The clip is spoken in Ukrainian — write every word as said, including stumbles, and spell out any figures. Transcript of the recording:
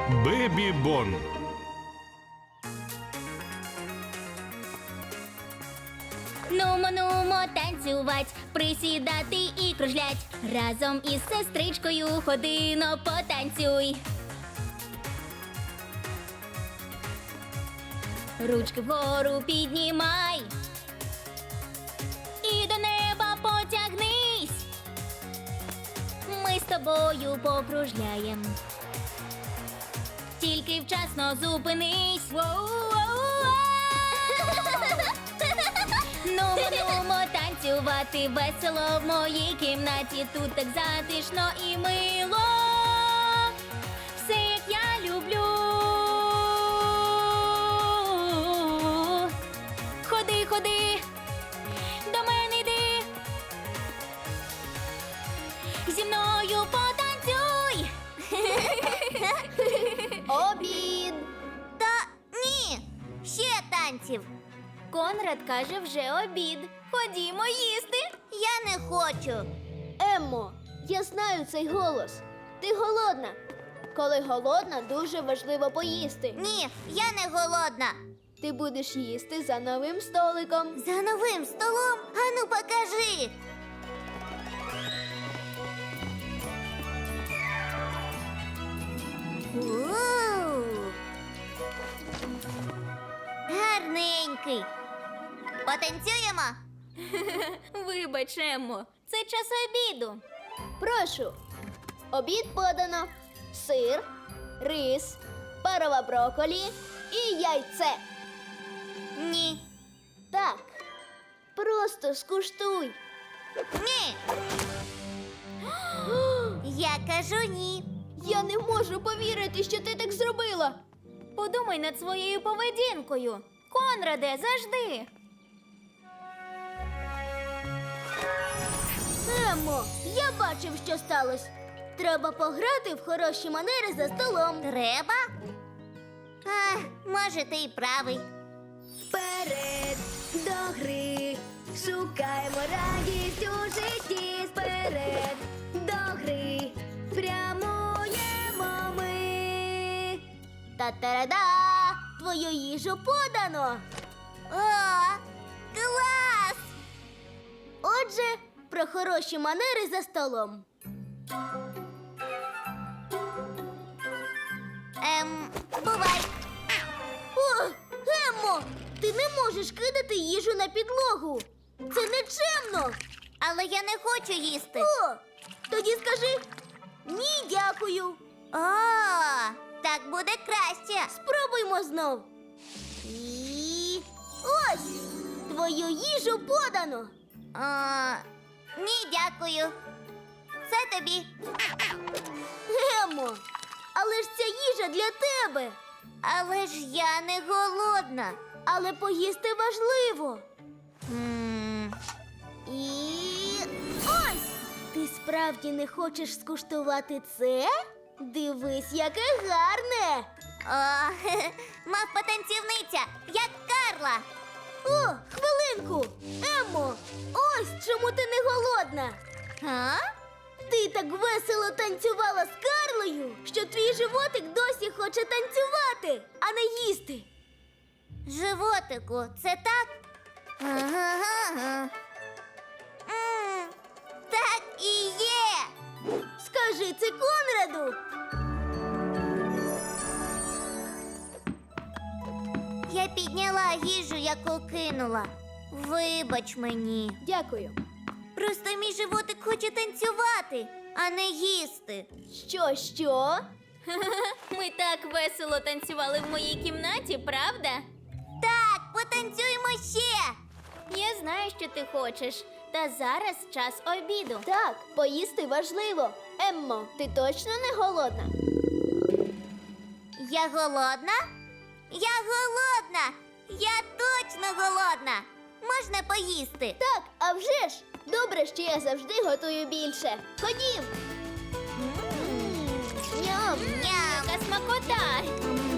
Бебі Бон. Нумо, нумо, танцювать, присідати і кружлять. Разом із сестричкою ходино потанцюй. Ручки вгору піднімай. І до неба потягнись. Ми з тобою покружляєм. Тільки вчасно зупинись. Нумо, нумо, танцювати весело в моїй кімнаті. Тут так затишно і мило. Все, як я люблю. Ходи, ходи, до мене йди. Зі мною потанцюй. Обід! Та ні, ще танців. Конрад каже, вже обід. Ходімо їсти. Я не хочу. Еммо, я знаю цей голос. Ти голодна. Коли голодна, дуже важливо поїсти. Ні, я не голодна. Ти будеш їсти за новим столиком. За новим столом? Ану, покажи. У-у-у. Гарненький. Потанцюємо? Вибач, Еммо, це час обіду. Прошу. Обід подано. Сир, рис, парова брокколі і яйце. Ні. Так. Просто скуштуй. Ні. Я кажу ні. Я не можу повірити, що ти так зробила. Подумай над своєю поведінкою. Конраде, завжди. Еммо, я бачив, що сталося. Треба пограти в хороші манери за столом. Треба? А, може, ти й правий. Вперед до гри, шукаємо радість у житті. Вперед до гри, прямуємо ми. Та-та-да! Твою їжу подано. О, клас! Отже, про хороші манери за столом. Ем, бувай. О, Еммо, ти не можеш кидати їжу на підлогу. Це нечемно. Але я не хочу їсти. О, тоді скажи ні, дякую. О, так буде краще. Спробуймо знов. І... Ось, твою їжу подано. О, ні, дякую. Це тобі. Еммо, але ж ця їжа для тебе. Але ж я не голодна. Але поїсти важливо. М, І ось! Ти справді не хочеш скуштувати це? Дивись, яке гарне! О, мав потанцівниця, як Карла. О, хвилинку! Еммо, ось чому ти не голодна. А? Ти так весело танцювала з Карлою, що твій животик досі хоче танцювати, а не їсти. Животику, це так? Ага. М, Так і є. Скажи це Конраду. Я підняла їжу, яку кинула. Вибач мені. Дякую. Просто мій животик хоче танцювати, а не їсти. Що, що? Ми так весело танцювали в моїй кімнаті, правда? Так, потанцюємо ще. Я знаю, що ти хочеш. Та зараз час обіду. Так, поїсти важливо. Еммо, ти точно не голодна? Я голодна? Я голодна! Я точно голодна! Можна поїсти? Так, а вже ж. Добре, що я завжди готую більше. Ходім. Ням. Ням! Яка смакота! М,